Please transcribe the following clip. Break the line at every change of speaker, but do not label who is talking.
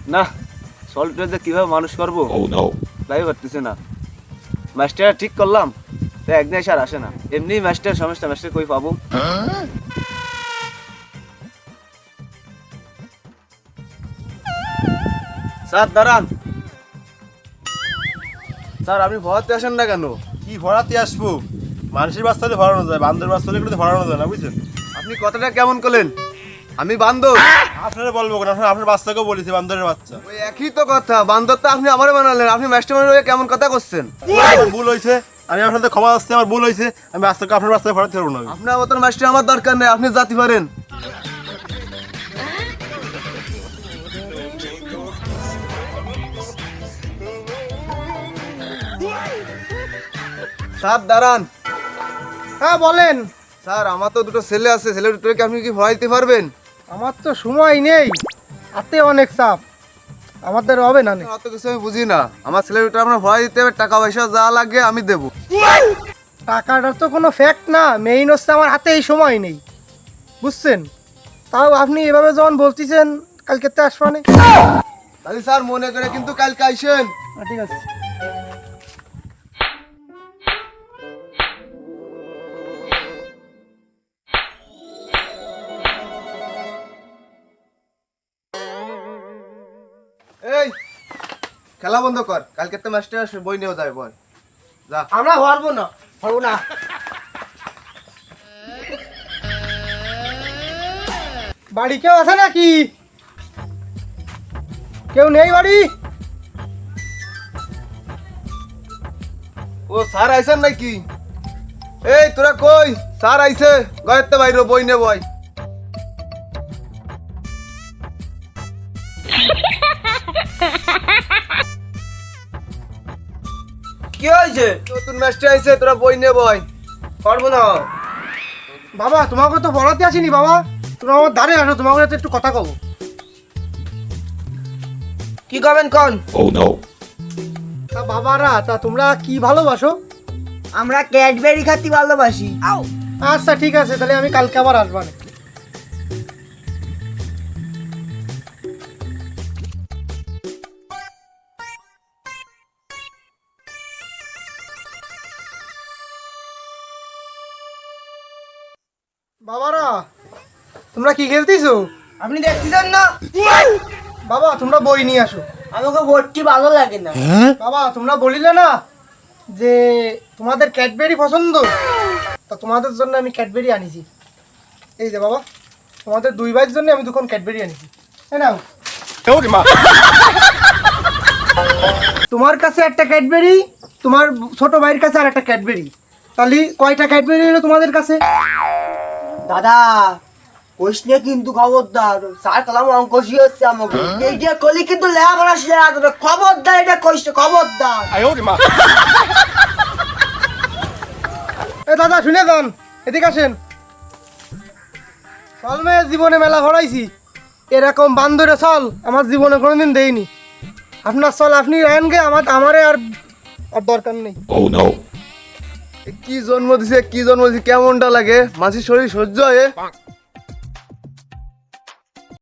না সল্টটা যে কিভাবে মানুষ করবো তাই পারতেছে না। মাস্টার ঠিক করলাম তো একদিন এসে আর আসে না। এমনি মাস্টার সমস্যা, মাস্টার কই পাবো? স্যার দাঁড়ান। স্যার আপনি ভরাতে আসেন না কেন?
কি ভরাতে আসবো? মানুষের বাচ্চালে ভরানো যায়, বান্দর বাচ্চালে কিন্তু ভরানো যায় না, বুঝছেন?
আপনি কথাটা কেমন করলেন? আমি বান্দর?
আপনারা বলবো কেন? আপনার বাচ্চাকেও বলেছি বান্দরের বাচ্চা।
ওই একই তো কথা, বান্দর তো আপনি আমারে বানালেন। আপনি মাস্টার হয়ে কেমন কথা করছেন?
আমার ভুল হয়েছে, আমি আপনাদের ক্ষমা আসছে, আমার ভুল হয়েছে। আমি বাচ্চাকে আপনার বাচ্চাকে ভরাতে পারবো না।
আপনার মতন মাস্টার আমার দরকার নেই, আপনি জাতি পারেন। স্যার দাঁড়ান।
হ্যাঁ বলেন।
স্যার আমার তো দুটো ছেলে আছে, ছেলে দুটোকে আপনি কি ভরাইতে পারবেন?
আমার তো সময় নেই, হাতে অনেক চাপ, আমাদের হবে না।
অত কিছু আমি বুঝি না। আমার ছেলে দুটো আমরা ভরাই দিতে হবে, টাকা পয়সা যা লাগে আমি দেবো।
টাকাটা তো কোনো ফ্যাক্ট না, মেইন হচ্ছে আমার হাতে এই সময় নেই, বুঝছেন? তাও আপনি এভাবে যখন বলতেছেন কালকে তো আসবানে।
তাহলে স্যার মনে করে কিন্তু কালকে আইসেন।
ঠিক আছে।
এই খেলা বন্ধ কর, কালকে তো মাস্টার বই নিয়েও যাবে। বল যা।
আমরা পারবো না, পারবো না। বাড়ি কেউ আছে নাকি? কেউ নেই বাড়ি?
ও স্যার আইসেন নাকি? এই তোরা কই? স্যার আইছে, ঘরেতে বাইরে বই নে বই। কি হয়েছে? নতুন মাস্টার আইছে, তোরা বই নে বই। পারবো না
বাবা, তোমাকে তো পড়াতে আসিনি বাবা, তোমরা আমার দাঁড়ে আসো, তোমাকে সাথে একটু কথা কব।
কি করবেন কোন?
তা বাবারা, তা তোমরা কি ভালোবাসো?
আমরা ক্যাডবেরি খাতি ভালোবাসি।
আচ্ছা ঠিক আছে, তাহলে আমি কালকে আবার আসবো না। বাবারা, তোমরা কি খেলতেছো?
আপনি দেখতেছেন না?
বাবা তোমরা বই নিয়ে আসো।
আমাকে ভর্তি ভালো লাগে না।
বাবা তোমরা বলিলে না যে তোমাদের ক্যাডবেরি পছন্দ, তা তোমাদের জন্য আমি ক্যাডবেরি আনিছি। এই যে বাবা, তোমাদের দুই ভাইয়ের জন্য আমি দুখন ক্যাডবেরি আনিছি। এই নাও। তোমার কাছে একটা ক্যাডবেরি, তোমার ছোট ভাইয়ের কাছে আর একটা ক্যাডবেরি, তাহলে কয়টা ক্যাডবেরি হলো তোমাদের কাছে?
দাদা কোশনে কিন্তু খবরদার, স্যার কালাম অঙ্ক শিখাচ্ছে আমাকে। এই যে কলি কিন্তু লেখাপড়া শিখা, খবরদার এটা কইছে, খবরদার।
এ দাদা শুনে যান, এদিকে আসেন। চল মেয়ে, জীবনে মেলা ভরাইছি, এরকম বান্দরে চল আমার জীবনে কোনোদিন দেয়নি। আপনার চল আপনি রায়ন গে, আমারে আর দরকার নেই।
কি জন্ম দিছে, কি জন্ম দিছে, কেমনটা লাগে? মাঝির শরীর সহ্য হয়?